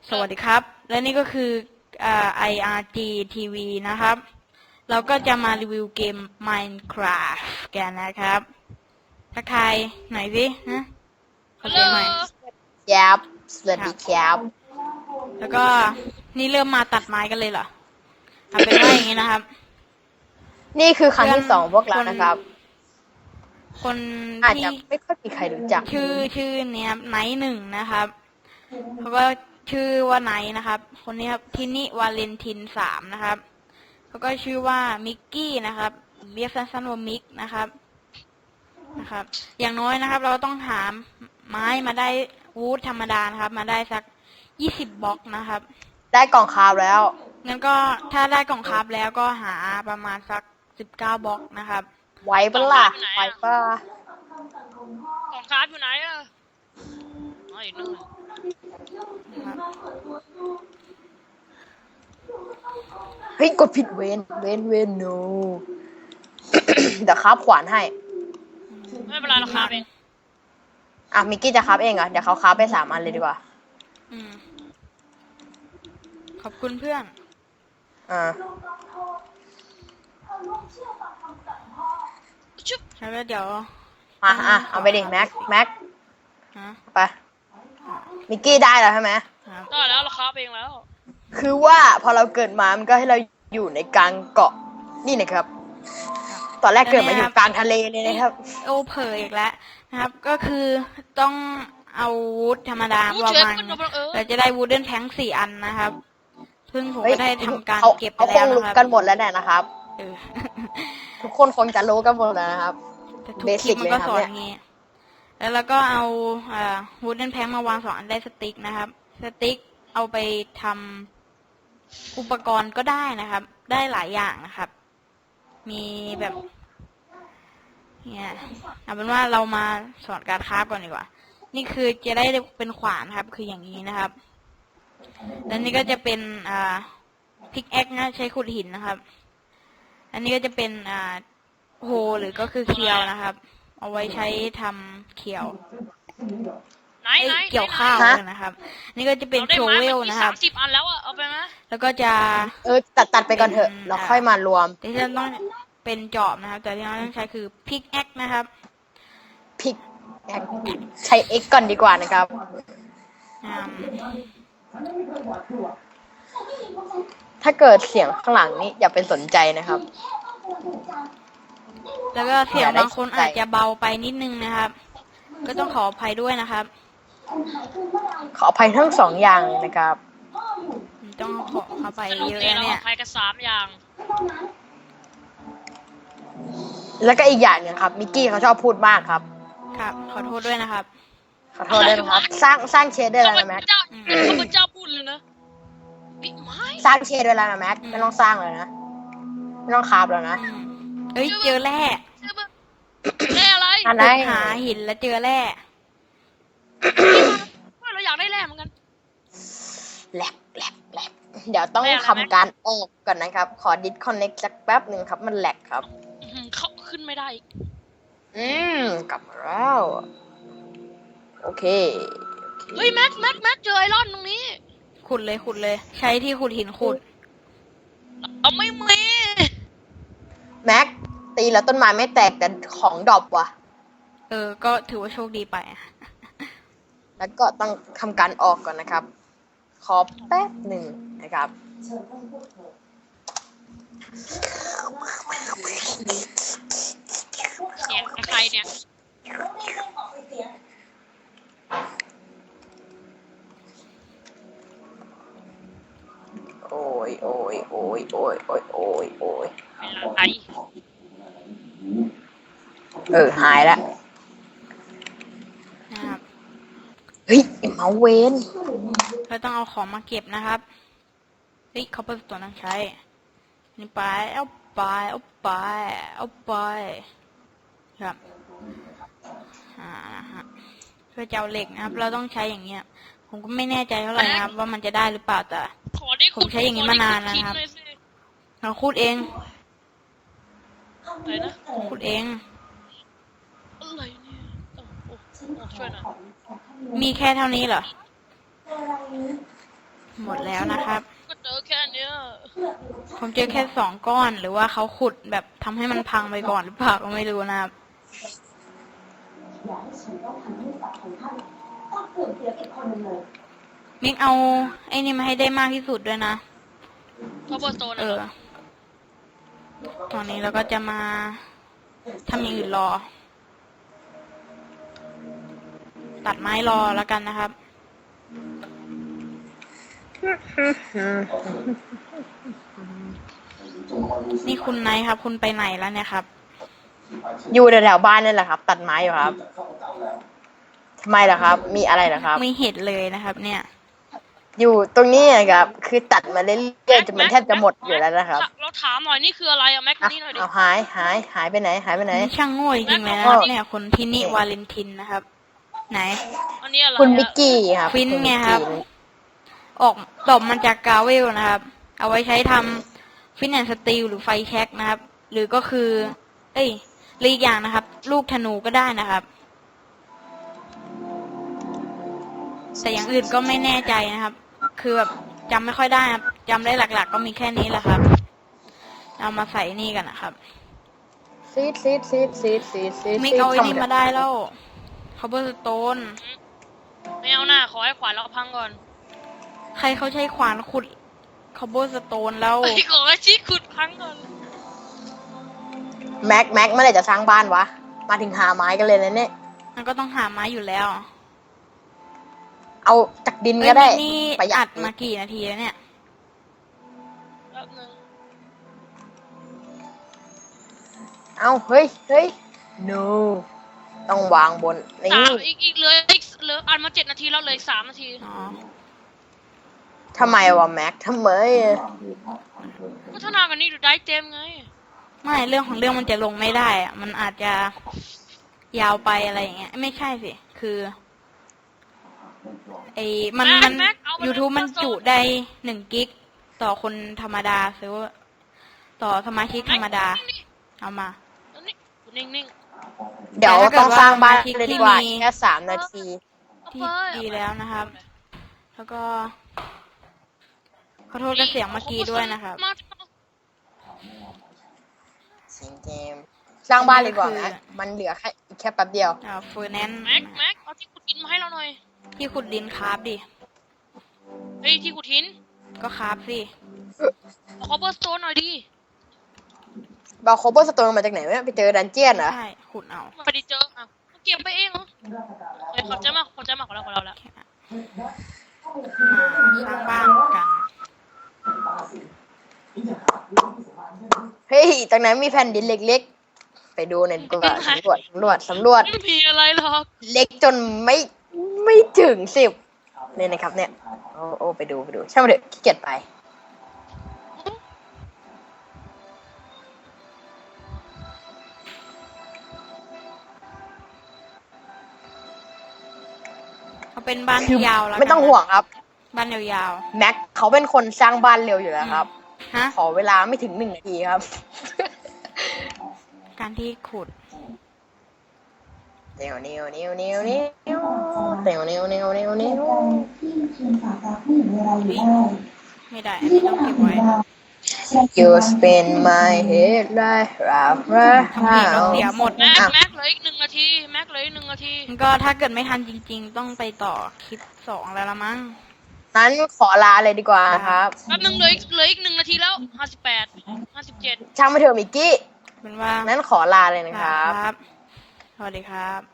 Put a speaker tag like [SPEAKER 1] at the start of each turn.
[SPEAKER 1] สวัสดีครับ และนี่ก็คือIRG TV นะครับ เราก็จะมารีวิวเกม Minecraft กันนะครับทักทายหน่อยสินะขอ
[SPEAKER 2] ฮัลโหล
[SPEAKER 1] เสียงหน่อย
[SPEAKER 2] ครับสวัสดีครับ
[SPEAKER 1] แล้วก็นี่เริ่มมาตัดไม้กันเลยเหรอเอาเป็นว่าอย่างนี้นะครับ
[SPEAKER 2] นี่คือครั้งที่สองพวกเรานะครับ
[SPEAKER 1] คน
[SPEAKER 2] อาจ
[SPEAKER 1] ที่
[SPEAKER 2] จะไม่ค่อยมีใครรู้จัก
[SPEAKER 1] ชื่อเนี้ยไนท์หนึ่งนะครับเขาก็ชื่อว่าไนท์นะครับ คนนี้ครับทินิวาเลนติน3นะครับเขาก็ชื่อว่ามิกกี้นะครับเรียกสั้นๆว่ามิกนะครับ อย่างน้อยนะครับ เราต้องหาไม้มาได้วูดธรรมดานะครับ มาได้สัก20บล็อกนะครับ
[SPEAKER 2] ได้กล่องคาร์บแล้ว
[SPEAKER 1] งั้นก็ถ้าได้กล่องคราฟแล้วก็หาประมาณสัก19บล็อกนะครับ
[SPEAKER 2] ไว้ปะล่ะไว้ปะ
[SPEAKER 3] ของคราฟอยู่ไหนอ่ะอ๋ออยู่นู่น
[SPEAKER 1] นะครับ
[SPEAKER 2] เฮ้ยกดผิดเวน no เดี๋ยวคาบขวานให้
[SPEAKER 3] ไม่เป็นไรเราคราฟเอง
[SPEAKER 2] อ่ะมิกกี้จะคาบเองเหรอเดี๋ยวเขาคาบไป3 อันเลยดีกว่า
[SPEAKER 1] อืมขอบคุณเพื่อน
[SPEAKER 2] อ่า
[SPEAKER 3] ชุบ
[SPEAKER 1] แล้วก็เดี๋ยว
[SPEAKER 2] เอาไปดิแม็ก
[SPEAKER 1] ฮะ
[SPEAKER 2] ไปมิกกี้ได้แล้วใช่ไหม
[SPEAKER 1] ครับ
[SPEAKER 3] ได้แล้วเราคราฟเองแล้ว
[SPEAKER 2] คือว่าพอเราเกิดมามันก็ให้เราอยู่ในกลางเกาะนี่นะครับ ตอนแรกเกิดมาอยู่กลางทะเลเลยนะครับ
[SPEAKER 1] โอ้เผยอีกแล้วนะครับ ก็คือต้องเอาวูดธรรมดา
[SPEAKER 3] รู้
[SPEAKER 1] ประ
[SPEAKER 3] เชิญ
[SPEAKER 1] มาณ
[SPEAKER 3] ขึ้นมาเออ
[SPEAKER 1] เราจะได้วูดเดิลแพง4 อันนะครับซึ่งผม
[SPEAKER 2] เฮ้ย
[SPEAKER 1] ก็ได้ทำการ
[SPEAKER 2] เขา
[SPEAKER 1] เก็บไป
[SPEAKER 2] เขาค
[SPEAKER 1] แล้ว
[SPEAKER 2] งรู้
[SPEAKER 1] นะครับ
[SPEAKER 2] กันหมดแล้วแน่นะครับ
[SPEAKER 1] เออ
[SPEAKER 2] ทุกคนคงจะรู้กันหมดแล้วนะครับ
[SPEAKER 1] แต่ทุกคลิปมันก็
[SPEAKER 2] Basic
[SPEAKER 1] สอน
[SPEAKER 2] เลยครับ
[SPEAKER 1] อย่างงี้ แล้วเราก็เอาวูดเดิลแพงมาวาง2 อันได้สติ๊กนะครับ สติ๊กเอาไปทำอุปกรณ์ก็ได้นะครับ ได้หลายอย่างนะครับ มีแบบเนี่ยเอาเป็นว่าเรามาสอนการคราฟก่อนดีกว่า นี่คือจะได้เป็นขวานครับ คืออย่างนี้นะครับ แล้วนี่ก็จะเป็นพิกแอคนะใช้ขุดหินนะครับ อันนี้ก็จะเป็นโฮหรือก็คือเคียวนะครับ เอาไว้ใช้ทำเคียว
[SPEAKER 3] ไหน
[SPEAKER 1] เอ้ย
[SPEAKER 3] ไหน
[SPEAKER 1] เกี่ยวข้าว
[SPEAKER 2] ฮะ
[SPEAKER 1] นะครับ นี่ก็จะเป็น
[SPEAKER 3] เราได้
[SPEAKER 1] โช
[SPEAKER 3] ไม้
[SPEAKER 1] เวล
[SPEAKER 3] มา
[SPEAKER 1] นะครับ
[SPEAKER 3] 30 อันแล้วอ่ะเอาไปไหม
[SPEAKER 1] แล้วก็จะ
[SPEAKER 2] ตัดไปก่อนเถอะเราค่อยมารวม
[SPEAKER 1] ที่จะต้องเป็นจอบนะครับ แต่ที่เราต้องใช้คือพิกแอคนะครับ
[SPEAKER 2] พิกใช้ X ก่อนดีกว่านะครับ
[SPEAKER 1] อืม
[SPEAKER 2] ถ้าเกิดเสียงข้างหลังนี้อย่าเป็นสนใจนะครับ
[SPEAKER 1] แล้วก็เสียง
[SPEAKER 2] อย่าได้
[SPEAKER 1] บางคน
[SPEAKER 2] สนใจ
[SPEAKER 1] อาจจะเบาไปนิดนึงนะครับ ก็ต้องขออภัยด้วยนะครับ
[SPEAKER 2] ขออภัยทั้ง2 อย่างเลยนะครับ
[SPEAKER 1] ต้องขออภัย
[SPEAKER 3] สรุป
[SPEAKER 1] เยอะ
[SPEAKER 3] เอง
[SPEAKER 1] นะ
[SPEAKER 3] เรา
[SPEAKER 1] เนี่ย
[SPEAKER 3] อภัยกัน3 อย่าง
[SPEAKER 2] แล้วก็อีกอย่างหนึงครับมิกกี้เขาชอบพูดมากครับ
[SPEAKER 1] ครับ ขอโทษด้วยนะครับ
[SPEAKER 2] ขอโทษด้วยนะครับ สร้างเชดได้แล้วนะแม็ก
[SPEAKER 3] ข้าพเจ้าพูดเลยนะบิ๊กไม้
[SPEAKER 2] สร้างเชดได้แล้วนะแม็กไม่ต้องสร้างเลยนะไม่ต้องคาบแล้วนะ
[SPEAKER 1] อืมเอ้ยเจอแร่
[SPEAKER 3] ชื่อมึงแร่อะไร
[SPEAKER 2] อันไหน
[SPEAKER 1] หาหินแล้วเจอแร่
[SPEAKER 3] ว่าเราอยากได้แร่เหมือนกัน
[SPEAKER 2] แลบเดี๋ยวต้องทำการออกก่อนนะครับ ขอดิสคอนเน็กสักแป๊บหนึ่งครับ มันแหลกครับ
[SPEAKER 3] เขาขึ้นไม่ได้อีก
[SPEAKER 2] กลับมาแล้วโอเค
[SPEAKER 3] เฮ้ยแม็กเจอไอรอนตรงนี้
[SPEAKER 1] ขุดเลย ใช้ที่ขุดหินขุด
[SPEAKER 3] เอาไม่มี
[SPEAKER 2] แม็กตีแล้วต้นไม้ไม่แตกแต่ของดรอปว่ะ
[SPEAKER 1] ก็ถือว่าโชคดีไปอะ
[SPEAKER 2] แล้วก็ต้องทำการออกก่อนนะครับ ขอแป๊บหนึ่งนะครับ
[SPEAKER 3] เสียงใครเนี่ย
[SPEAKER 2] โอ้ย
[SPEAKER 3] เป็นอะไร
[SPEAKER 2] หายแล้ว
[SPEAKER 1] นะครับ
[SPEAKER 2] เฮ้ยไอ้เมาส์เวน
[SPEAKER 1] เราต้องเอาของมาเก็บนะครับเฮ้ยเขาเปิดตัวต้องใช้ นี่ไปเอาไปครับนะฮะเพื่อจะเอาเหล็กนะครับ เราต้องใช้อย่างเงี้ย ผมก็ไม่แน่ใจเท่าไหร่นะครับ ว่ามันจะได้หรือเปล่าแต่
[SPEAKER 3] ขอได้
[SPEAKER 1] ผมใช้อย่างนี้มานานแล้วนะครับ
[SPEAKER 3] ขอได้ขุดหินหน่อยสิ
[SPEAKER 1] เราขุดเอง
[SPEAKER 3] อะไรนะ
[SPEAKER 1] ขุดเอง
[SPEAKER 3] อะไรเนี่ยโอ้ช่วยหน่อย
[SPEAKER 1] มีแค่เท่านี้เหรอหมดแล้วนะครับ
[SPEAKER 3] ก็เจอแค่เนี้ย
[SPEAKER 1] ผมเจอแค่2 ก้อนหรือว่าเขาขุดแบบทำให้มันพังไปก่อนหรือเปล่าก็ไม่รู้นะครับมิกเอาไอ้นี่มาให้ได้มากที่สุดด้วยนะ
[SPEAKER 3] ท็อปเปอร์โซน
[SPEAKER 1] ตอนนี้เราก็จะมาทำอย่างอื่นรอ ตัดไม้รอแล้วกันนะครับ นี่คุณไนท์ครับ คุณไปไหนแล้วเนี่ยครับ
[SPEAKER 2] อยู่แถวๆบ้านนี่แหละครับ ตัดไม้อยู่ครับทำไมล่ะครับ มีอะไรล่ะครับ
[SPEAKER 1] ไม่เห็นเลยนะครับ เนี่ย
[SPEAKER 2] อยู่ตรงนี้นะครับ คือตัดมาเรื่อยๆจนมันแทบจะหมดอยู่แล้วนะครับ
[SPEAKER 3] เราถามหน่อยนี่คืออะไรอะแม็ก
[SPEAKER 2] อ่ะ
[SPEAKER 3] นี่หน่อยดิ
[SPEAKER 2] เอาหายไปไหนหายไปไหน
[SPEAKER 1] นี่ช่างโง่จริงๆเลยนะครับเนี่ยคุณพินิวาเลนตินนะครับ ไหน
[SPEAKER 3] อันนี้อะไร
[SPEAKER 2] คุณ
[SPEAKER 3] อะ
[SPEAKER 2] มิกกี้ครับ
[SPEAKER 1] ฟิน
[SPEAKER 2] ณ
[SPEAKER 1] ไง
[SPEAKER 2] มิก
[SPEAKER 1] ครับ
[SPEAKER 2] กี้
[SPEAKER 1] ออกดอกมาจากกาเวลนะครับ เอาไว้ใช้ทำฟินแอนสตีลหรือไฟแช็กนะครับ หรือก็คือ หรืออีกอย่างนะครับ ลูกธนูก็ได้นะครับ แต่อย่างอื่นก็ไม่แน่ใจนะครับ คือแบบจำไม่ค่อยได้ครับจำได้หลักๆ ก็มีแค่นี้แหละครับ เอามาใส่นี่กันนะครับ
[SPEAKER 2] ซีด
[SPEAKER 1] มิกเอาไอ้นี่มาได้แล้วคาร์บอนสโตน
[SPEAKER 3] ไม่เอาหน้าขอให้ขวานเราพังก่อน
[SPEAKER 1] ใครเขาใช้ขวานขุดคาร์บอนสโตนแล้ว
[SPEAKER 3] ไอ้ขอให้ชี้ขุดพังก่อน
[SPEAKER 2] แม็กเมื่อไหร่จะสร้างบ้านวะ มาถึงหาไม้กันเลยนะเนี่ย
[SPEAKER 1] มันก็ต้องหาไม้อยู่แล้ว
[SPEAKER 2] เอาจากดินก็ได้
[SPEAKER 1] นี่
[SPEAKER 2] ประหยั
[SPEAKER 1] อั
[SPEAKER 2] ด
[SPEAKER 1] ดมากี่นาทีแล้วเนี่ย
[SPEAKER 3] แป๊บนึง
[SPEAKER 2] เอาเฮ้ย no ต้องวางบนนี่
[SPEAKER 3] อีกเหลืออันมา7 นาทีแล้วเหลย3 นาที
[SPEAKER 1] อ๋อ
[SPEAKER 2] ทำไมวะแม็กทำไม
[SPEAKER 3] พัฒนากันนี่ดูได้เต็มไง
[SPEAKER 1] ไม่เรื่องของเรื่องมันจะลงไม่ได้อะมันอาจจะยาวไปอะไรอย่างเงี้ย ไม่ใช่สิ คือมัน YouTube มันจุได้1 กิกต่อคนธรรมดาซื้อต่อสมาชิกธรรมดา เอามา
[SPEAKER 3] นี่นิ่ง
[SPEAKER 2] เดี๋ยว
[SPEAKER 1] แต่ถ้าเกิด
[SPEAKER 2] ต้องสร้างบ้าน
[SPEAKER 1] ว่า
[SPEAKER 2] เลยดีกว่า
[SPEAKER 1] ที่มี
[SPEAKER 2] แค่3 นาที
[SPEAKER 3] ๆ
[SPEAKER 1] ที่ดีแล้วนะครับ แล้วก็ขอโทษกับเสียงเมื่อกี้ด้วยนะครับ
[SPEAKER 3] มา
[SPEAKER 2] สร้างบ้านเลยดีกว่านะมันเหลือแค่อีกแค่แป๊บเดียว
[SPEAKER 1] เฟอร์แนนซ์
[SPEAKER 3] แม็กเอาที่ขุดหินมาให้เราหน่อย
[SPEAKER 1] ที่ขุดดินคราฟดิ
[SPEAKER 3] เฮ้ยที่ขุดหิน
[SPEAKER 1] ก็คราฟสิ
[SPEAKER 3] เอาคอปเปอร์สโตนหน่อยดิ
[SPEAKER 2] บาโคเบอร์สโตนมาจากไหนวะไปเจอดันเจียนเหรอ
[SPEAKER 1] ใช่ ขุดเอา
[SPEAKER 3] ไม่ได้เจออ่ะเก็บไปเองเหรอเฮ้ยขอบใจมากของเราแล้ว
[SPEAKER 1] สร้างบ้านกัน
[SPEAKER 2] เฮ้ยตรงนั้นมีแผ่นดินเล็กๆ ไปดูหน่อยดีกว่าสำรวจ
[SPEAKER 3] ไม่มีอะไรหรอก
[SPEAKER 2] เล็กจนไม่ถึง10เนี่ยนะครับเนี่ย โอ้ไปดูช่างมันเถอะขี้เกียจไป
[SPEAKER 1] เอาเป็นบ้าน
[SPEAKER 2] คือ
[SPEAKER 1] ที่ยาวแล้วกัน
[SPEAKER 2] ไม่ต้องห่วงครับ
[SPEAKER 1] บ้านยาว
[SPEAKER 2] แม็กเขาเป็นคนสร้างบ้านเร็วอยู่แล้วครับ
[SPEAKER 1] ๆฮะ
[SPEAKER 2] ขอเวลาไม่ถึง1 นาทีครับ
[SPEAKER 1] การที่ขุด
[SPEAKER 2] เนียวเดี๋ยว
[SPEAKER 1] ไม่ได้อันนี้ต้องเก็บไว้
[SPEAKER 2] You spin my head like round
[SPEAKER 1] ทำผิดแล้วเสียหมด
[SPEAKER 3] แม็กเหลืออีก1 นาทีแม็กเหลืออีก1 นาที
[SPEAKER 1] มันก็ถ้าเกิดไม่ทันจริง ๆ ต้องไปต่อคลิป2แล้วละมั้ง
[SPEAKER 2] นั้นขอลาเลยดีกว่าครับ
[SPEAKER 3] แป๊บนึงเหลืออีก1 นาทีแล้ว58 57
[SPEAKER 2] ช่างไม่เถอะมิกกี้
[SPEAKER 1] เป็นว่า
[SPEAKER 2] นั้นขอลาเลยนะครับ
[SPEAKER 1] สวัสดีครับ